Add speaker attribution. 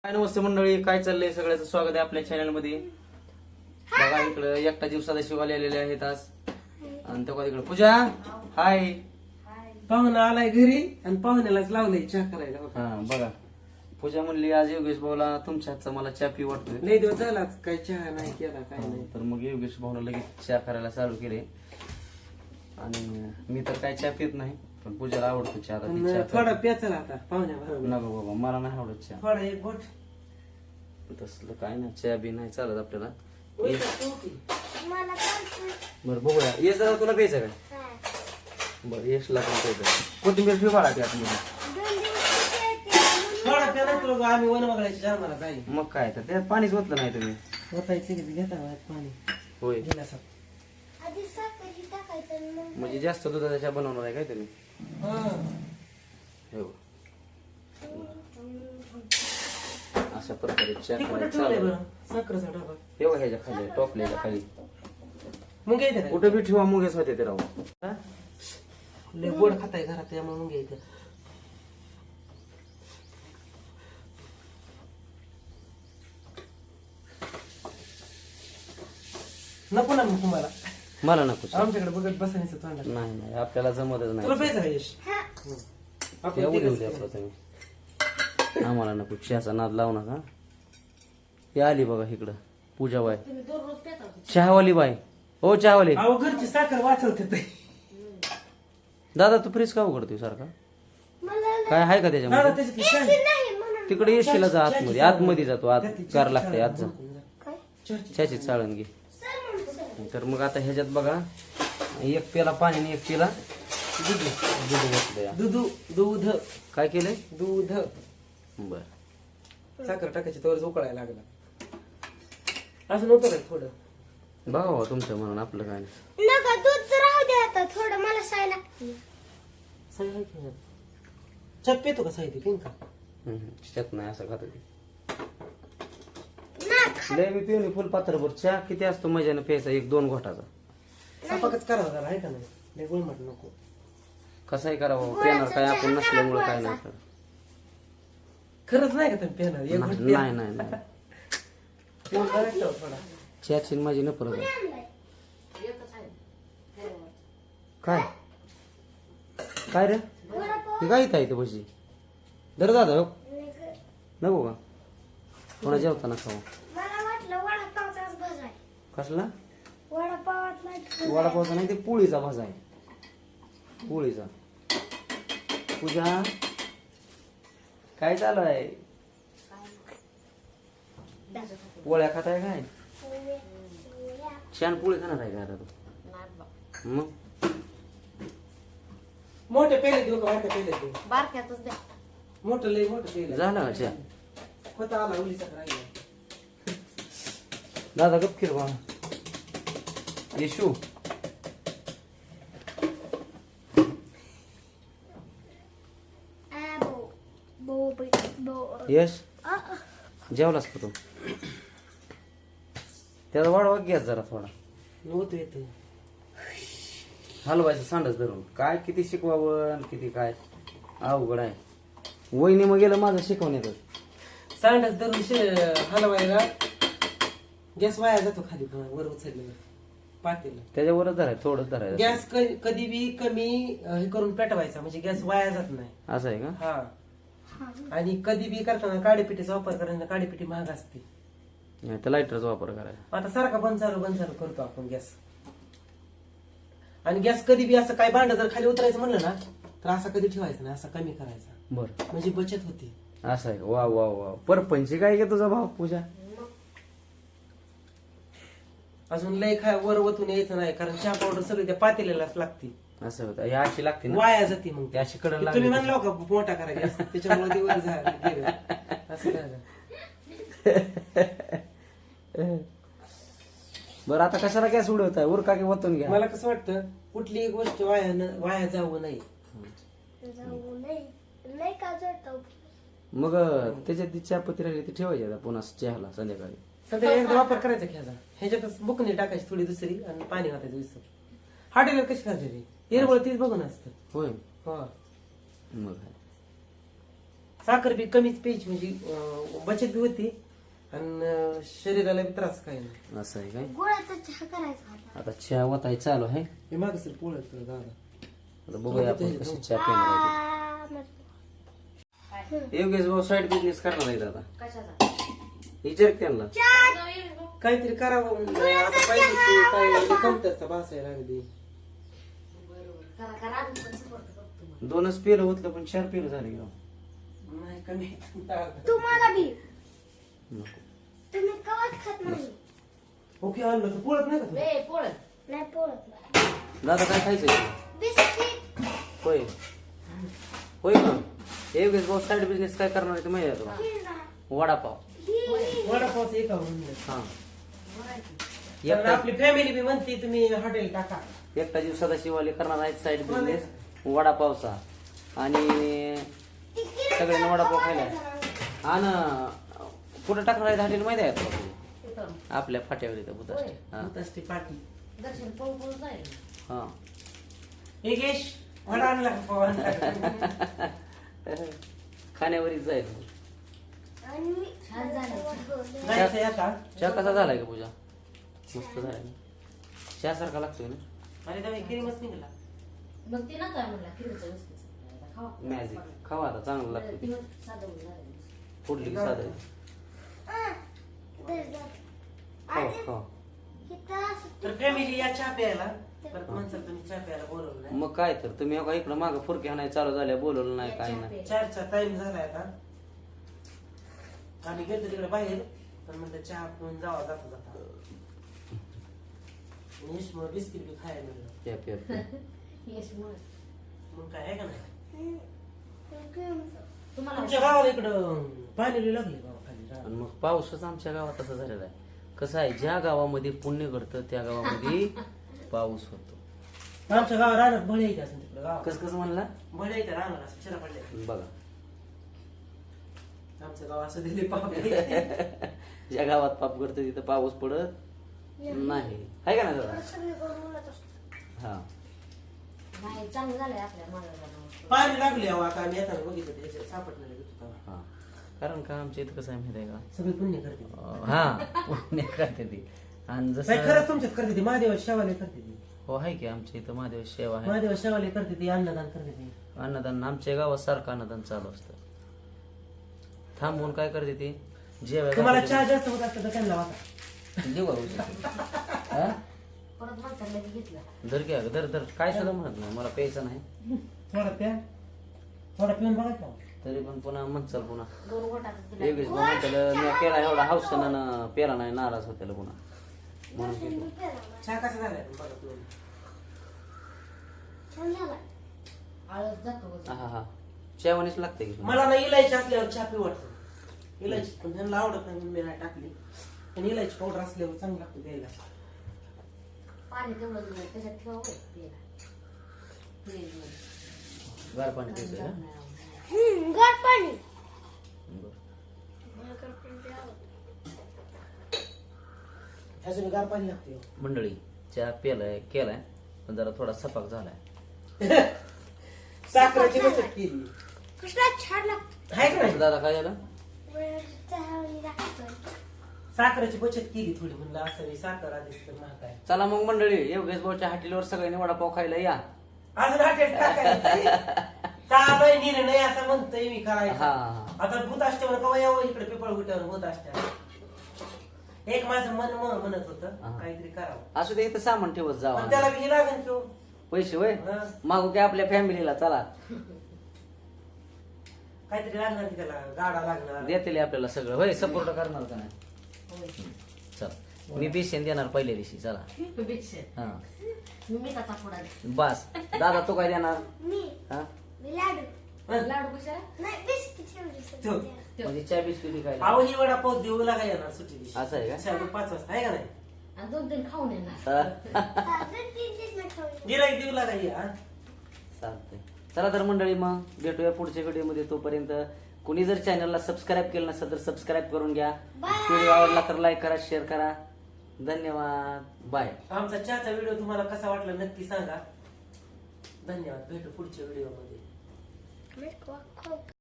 Speaker 1: काय नमस्ते मंडळी, काय चाललंय? सगळ्याचं स्वागत आहे आपल्या चॅनल मध्ये. बघा इकडे एकटा दिवसाचा शिवाले आलेले आहेत आज. आणि तेव्हा तिकडे पूजा हाय.
Speaker 2: पाहुणा आलाय घरी आणि पाहुण्यालाच लावलंय चहा करायला.
Speaker 1: हा बघा, पूजा म्हणली आज योगेश भाऊला तुमच्या हातचा मला चहा पी वाटतोय.
Speaker 2: लई दिवस झालाच काय चहा नाही केला काय नाही.
Speaker 1: तर मग योगेश भाऊला लगेच चहा करायला चालू केले. आणि मी तर काय चहा पित नाही, पण पूजाला आवडतो चहा. आता ती
Speaker 2: पण
Speaker 1: चहा
Speaker 2: थोडा प्याचला आता पाहुण्या बरोबर.
Speaker 1: नको बाबा, मला नाही आवडत चहा.
Speaker 2: थोडा एक गोट
Speaker 1: तसलं काय नाही, चहा बी नाही चालत आपल्याला.
Speaker 2: होय का, तू पी.
Speaker 1: बरं बघूया, ये जरा तुला प्यायचं काय? बरं यशला पण प्यायचं. कोथिंबीर ठेव बाळा त्यात मध्ये.
Speaker 2: थोडा प्या नाही तुला आम्ही वन बघायची जाणार जाईल.
Speaker 1: मग काय तर त्यात पाणीच ओतलं नाही तुम्ही.
Speaker 2: होतायचं की घेता पाणी
Speaker 1: होय,
Speaker 2: गिलासात.
Speaker 1: म्हणजे जास्त दुधाचा चहा बनवणार आहे काय तुम्ही?
Speaker 2: हा.
Speaker 1: हो, अशा प्रकारे चहा
Speaker 2: ते कुठं
Speaker 1: करायचं
Speaker 2: ठेवलंय
Speaker 1: चालू.
Speaker 2: बरं साखरेचा डबा.
Speaker 1: ठेवा ह्याच्या खाली, टोपल्याच्या खाली.
Speaker 2: मग येते
Speaker 1: कुठं बी ठेवा, मुगेच होते ते राहू.
Speaker 2: लय गोड खाताय घरात त्यामुळे मग येते. नको ना मग तुम्हाला
Speaker 1: मला नको चहा.
Speaker 2: आमच्याकडे बघत बसायचं तोंडात.
Speaker 1: नाही नाही, आपल्याला जमतच
Speaker 2: तुला
Speaker 1: नाही.
Speaker 2: प्यायचं का यश? आपण
Speaker 1: एवढी
Speaker 2: तिघंच
Speaker 1: उद्या
Speaker 2: प्यायचं.
Speaker 1: आपलं तुम्ही. आम्हाला नको चहाचा नाद लावू नका. ती आली बघा इकडं पूजाबाई, चहावाली बाई. हो चहावाली.
Speaker 2: अहो घरची साखर वाचवते ते.
Speaker 1: दादा तू फ्रीज का उघडतोय सारखा? काय आहे का
Speaker 2: दादा
Speaker 1: त्याच्यामध्ये?
Speaker 2: त्याच्यात शान-
Speaker 1: तिकडे येशील जा आतमध्ये, आतमध्ये जातो आत. गार लागतंय आत जा.
Speaker 2: चर्ची.
Speaker 1: चहाची चाळण घे. तर मग आता ह्याच्यात बघा, एक पेला पाणी आणि एक पेला दूध घातलंय.
Speaker 2: दूध
Speaker 1: काय केलंय?
Speaker 2: दूध
Speaker 1: बर,
Speaker 2: साखर टाकायची तर उकळायला लागला. असं नव्हतं काय थोडं?
Speaker 1: बघा हो तुमचं म्हणून आपलं काय नाही.
Speaker 3: नका दूध राहू दे आता, थोडं मला साय लागते.
Speaker 2: चप पितो का साहित्य पिन का?
Speaker 1: त्याच्यात नाही असं खात होती.
Speaker 3: ना
Speaker 1: लय मी पिऊन फुल पात्रभर चहा किती असतो मजाने प्यायचा, 1-2 घोटाचा.
Speaker 2: सपाकच करावं जरा आहे का नाही? लय गुळमट नको.
Speaker 1: कसाही करावं, पेणार काय आपण नसल्यामुळे काय नाही करत.
Speaker 2: खरंच नाही का तुम्ही पेणार? एक घोट
Speaker 1: नाही
Speaker 2: प्या.
Speaker 1: नाही नाही नाही.
Speaker 2: पिऊन करायचं थोडा.
Speaker 1: चहाची आणि माझी न परत काय काय रे? हे काय इथं आहे ते भजी? दर दादा हो. नको का? कोणा जेवताना खाऊ.
Speaker 3: मला वाटलं वडापावचाच भज आहे.
Speaker 1: कसला?
Speaker 3: वडापावातला
Speaker 1: वडापावचा नाही, ते पोळीचा भाजा आहे. पोळीचा. पूजा काय चालू आहे? पोळ्या खाताय काय? छान पोळी खाणार आहे का आता तू? मग
Speaker 2: मोठे पेले देऊ का बारके पेले देऊ?
Speaker 3: बारक्यातच द्या.
Speaker 2: मोठं लय मोठं पेले.
Speaker 1: झाला का चहा?
Speaker 2: होता आला उलीचा राहिला.
Speaker 1: दादा गपकीर बा. येशू यश जेवलास का तू? त्याचा वाढवा गॅस जरा थोडा.
Speaker 2: नव्हतं येतं.
Speaker 1: हलवायचं सांडच धरून. काय किती शिकवावं आणि किती काय अवघड आहे. वहिनी मग गेलं माझं शिकवण्याचं.
Speaker 2: सांडच धरून हलवायला गॅस वाया जातो खाली वर उचलल्यावर पातेलं.
Speaker 1: त्याच्यावरच धरायचं, थोडंच धरायचं.
Speaker 2: गॅस कधी बी कमी हे करून पेटवायचा म्हणजे गॅस वाया जात नाही.
Speaker 1: असं आहे का?
Speaker 2: हा. आणि कधी बी करताना काळीपिटीचा वापर करायचा. काळीपिटी महाग असते.
Speaker 1: नाही तर लायटरचा वापर करायचा.
Speaker 2: आता सारखा बंद चालू करतो आपण गॅस. आणि गॅस कधी बी असं काय भांड जर खाली उतरायचं म्हणलं ना तर असा कधी ठेवायचा नाही, असा कमी करायचा
Speaker 1: बरं,
Speaker 2: म्हणजे बचत होती.
Speaker 1: असं आहे. वा वा वा. परपंची काय घे तुझा भाव पूजा?
Speaker 2: अजून लय वर वतून यायचं नाही कारण चहा पावडर सगळी त्या पातेल्यालाच लागते.
Speaker 1: असं होतं. ही अशी लागते ना,
Speaker 2: वाया जाते मग
Speaker 1: ती अशी कडन
Speaker 2: तुम्ही
Speaker 1: लागली.
Speaker 2: म्हणला का मोठा करा गॅस त्याच्यामुळे ते वर गेलं. असं करायचं.
Speaker 1: बरं आता कशाला गॅस उडवताय? उरका की वतून घ्या.
Speaker 2: मला कसं वाटतं कुठलीही गोष्ट वाया जाऊ नये.
Speaker 3: जाऊ नाही का जळतो.
Speaker 1: मग त्याच्यात ती चहापत्ती राहिली ती ठेवायची आता पुन्हा चहाला संध्याकाळी.
Speaker 2: सध्या एकदा वापर करायचा ह्याचा. ह्याच्यातच बुकणी टाकायची थोडी दुसरी आणि पाणी घालायचं विसर. हॉटेलवर कशी करायची? हिरवळ तीच बघून असतं.
Speaker 1: होय.
Speaker 2: हो.
Speaker 1: मग
Speaker 2: साखर बी कमीच प्यायची म्हणजे बचत बी होती आणि शरीराला बी त्रास काही नाही.
Speaker 1: असं आहे काय?
Speaker 3: गुळाचा चहा करायचा आता.
Speaker 1: आता चहा वताय चालू आहे.
Speaker 2: हे माग सर पोळत दादा
Speaker 1: आता बघूया आपण कशी चहा पिणार आहे ते. योगेश भाऊ साईड बिझनेस करणार आहे आता. विचार त्यांना.
Speaker 2: काहीतरी करावं म्हणलं. आता पाहिजे की काय कमतरता भासायला लागली.
Speaker 1: दोनच पेलं होतलं पण 4 पेलं झाले की राव.
Speaker 2: नाही कमी
Speaker 3: तुम्हाला बी
Speaker 1: नको.
Speaker 3: तुम्ही कवाच खात नाही.
Speaker 2: ओके आणलं तर पोळत नाही का तू?
Speaker 3: नाही पोळत नाही.
Speaker 1: दादा काय खायचं?
Speaker 3: बिस्किट
Speaker 1: होय होय का? योगेश भाऊ साईड बिझनेस काय करणार आहे ते माहिती आहे तुला?
Speaker 3: पिझ्झा
Speaker 1: वडापाव.
Speaker 2: वडापावचं एका म्हणलं.
Speaker 1: हा
Speaker 2: कारण आपली फॅमिली बी म्हणते तुम्ही हॉटेल टाका.
Speaker 1: एकटा जीव सदाशिवाले करणार आहेत साईड बिझनेस वडापावचा आणि सगळ्यांना वडापाव खायला आणि कुठं टाकणार आहेत हॉटेल माहिती आहे तुला? आपल्या फाट्यावर इथं बुधाष्टी. हा
Speaker 2: असते पाठी
Speaker 1: हा
Speaker 2: योगेश वडा आणला का पाव आणला?
Speaker 1: खाण्यावरच जाईल.
Speaker 3: आणि मी
Speaker 2: जायचंय आता.
Speaker 1: चहा कसा झालाय का पूजा? मस्त झालाय ना? चहा सारखा लागतोय ना?
Speaker 2: अरे त्यावेळी क्रीमच निघाला.
Speaker 4: मग ते नका म्हणला किलोचं बिस्किट खावा.
Speaker 1: मॅजिक खावा आता चांगलं लागतं ते.
Speaker 4: दिवस साधं होऊन झालं.
Speaker 1: फोडली की साधं आहे. खावा खावा.
Speaker 2: तर फॅमिली या चहा प्यायला परत म्हणसाल तुम्ही चहा प्यायला बोलवलं नाही.
Speaker 1: मग काय तर तुम्ही अहो इकडं मागं फुरके हाणाय चालू झाल्या बोलवलं नाही काय नाही.
Speaker 2: 4चा टाइम झालाय आता. आम्ही गेलो तिकडे बाहेर पण म्हणलं चहा पिऊन जावा जाता जाता. यशमुळे बिस्किट बी खायला मिळलं.
Speaker 1: प्या प्या प्या.
Speaker 4: यशमुळे.
Speaker 2: मग काय आहे का नाही?
Speaker 4: तुम्हाला
Speaker 2: तुमच्या गावाला इकडं पाणी लई लागले बाबा खाली रानात.
Speaker 1: आणि मग पाऊसच आमच्या गावात असं झालेला आहे. कसं आहे ज्या गावामध्ये पुण्य घडतं त्या गावामध्ये पाऊस होतो.
Speaker 2: आमच्या गावात रानात बळी येते असं तिकडे गावात.
Speaker 1: कसं कसं म्हणला?
Speaker 2: बळी येते रानात असं शिरा पडले.
Speaker 1: बघा
Speaker 2: आमचं गाव असं दिले पाप.
Speaker 1: ज्या गावात पाप घडतं तिथं पाऊस पडत नाही. आहे का ना दादा? हा
Speaker 4: नाही चांगलं झालंय आपल्या मागायला.
Speaker 2: पाणी लागले अहो आता आम्ही येताना बघितलं त्याच्यात सापडणार
Speaker 1: हा कारण का आमच्या इथं कसं आहे माहिती आहे का?
Speaker 2: सगळे पुण्य करते.
Speaker 1: हा पुण्य करते ती आणि
Speaker 2: काय
Speaker 1: जसं
Speaker 2: खरंच तुमच्यात करते ती महादेवा शेवाले करते ती.
Speaker 1: हो आहे की आमच्या इथं महादेव सेवा आहे.
Speaker 2: महादेवा शेवाले करते ती अन्नदान करते ती.
Speaker 1: अन्नदान आमच्या गावात सारखं अन्नदान चालू असतं. थांबवून काय करते ती
Speaker 2: तुम्हाला चहा
Speaker 1: जेवायला
Speaker 2: जास्त होत असतं तर त्यांना वाटा.
Speaker 1: देऊ का उचलून? हा?
Speaker 4: परत माणसाला लगेच घेतलं.
Speaker 1: धर घ्या धर धर काय सुद्धा म्हणत नाही मला प्यायचं नाही
Speaker 2: थोडा प्या थोडा पिऊन बघा का.
Speaker 1: तरी पण पुन्हा म्हणचाल पुन्हा
Speaker 4: 2 गोटाचं दिलं.
Speaker 1: योगेश भाऊ म्हणताल मी केला एवढा हौसनं पेला नाही नाराज होत्याला पुन्हा म्हणून घेतो.
Speaker 2: चहा कसा झालाय बघा पिऊन.
Speaker 4: आळस जातो वजन.
Speaker 1: हा हा चेवणीच लागते की
Speaker 2: मला ना इलायची असल्यावर चहा पिऊ वाटतं. इलायची पण त्यांना आवडत नाही म्हणून मी नाही टाकली. पण इलायची पावडर असल्यावर चांगलं लागतं द्यायला.
Speaker 4: पाणी तेवढं दिलं त्याच्यात ठेवा होय प्यायला. फ्रीजमध्ये.
Speaker 1: गार पाणी प्यायचं का?
Speaker 4: नाही आवडत.
Speaker 3: गार पाणी.
Speaker 1: बरं.
Speaker 2: ह्याचं गार पाणी लागते.
Speaker 1: मंडळी चहा केलाय पण जरा थोडा सपाक झालाय.
Speaker 2: साखरेची बचत केली.
Speaker 3: कृष्णा छान लागतो.
Speaker 2: आहे का नाही?
Speaker 1: दादा काय झालं?
Speaker 3: चहा लागतोय.
Speaker 2: साखरेची बचत केली थोडी म्हणलं असं नाही साखर आधीच तर महाग आहे.
Speaker 1: चला मग मंडळी योगेश भाऊच्या हॉटेलवर सगळ्यांनी वडापाव खायला या.
Speaker 2: अजून हॉटेल टाकायचं. चालू आहे निर्णय असं म्हणतोय मी करायचं.
Speaker 1: हा
Speaker 2: आता भूत असते कवा यावं इकडे पिपळ गुट्यावर भूत असते. एक माझं मन म्हणत होतं काहीतरी करावं
Speaker 1: असू दे इथं सामान ठेवत
Speaker 2: पण
Speaker 1: जावा.
Speaker 2: त्याला बी लागेल किंवा
Speaker 1: पैसे होय
Speaker 2: हा.
Speaker 1: मागू की आपल्या फॅमिलीला चला
Speaker 2: काहीतरी लागणार की त्याला गाडा लागणार.
Speaker 1: देतील आपल्याला सगळं होय सपोर्ट करणार का नाही?
Speaker 4: होय.
Speaker 1: चल मी बेसन देणार पहिल्या दिवशी चला.
Speaker 4: पेक्षा.
Speaker 1: हा
Speaker 4: मी मिठाचा पुडा दे.
Speaker 1: बस दादा तू काय देणार?
Speaker 3: मी
Speaker 1: हा
Speaker 3: लाडू.
Speaker 4: लाडू कशाला?
Speaker 3: नाही बिस्किट ठेवली.
Speaker 2: ठेव.
Speaker 1: म्हणजे चहा बिस्किटी काय
Speaker 2: अहो ही वडापाव देऊ लागा येणार सुट्टी दिवशी.
Speaker 1: असं आहे का?
Speaker 2: 5 वाजता आहे का नाही?
Speaker 4: आणि 2-3 खाऊन येणार.
Speaker 2: गिराईक देऊ लागा ये हा.
Speaker 1: चालतंय चला तर मंडळी मग भेटूया पुढच्या व्हिडिओमध्ये. तोपर्यंत कुणी जर चॅनलला सबस्क्राईब केलं नसेल तर सबस्क्राईब करून घ्या. व्हिडिओ आवडला तर लाईक करा शेअर करा. धन्यवाद बाय.
Speaker 2: आमचा चहाचा व्हिडिओ तुम्हाला कसा वाटला नक्की सांगा. धन्यवाद. भेटू पुढच्या व्हिडिओ मध्ये.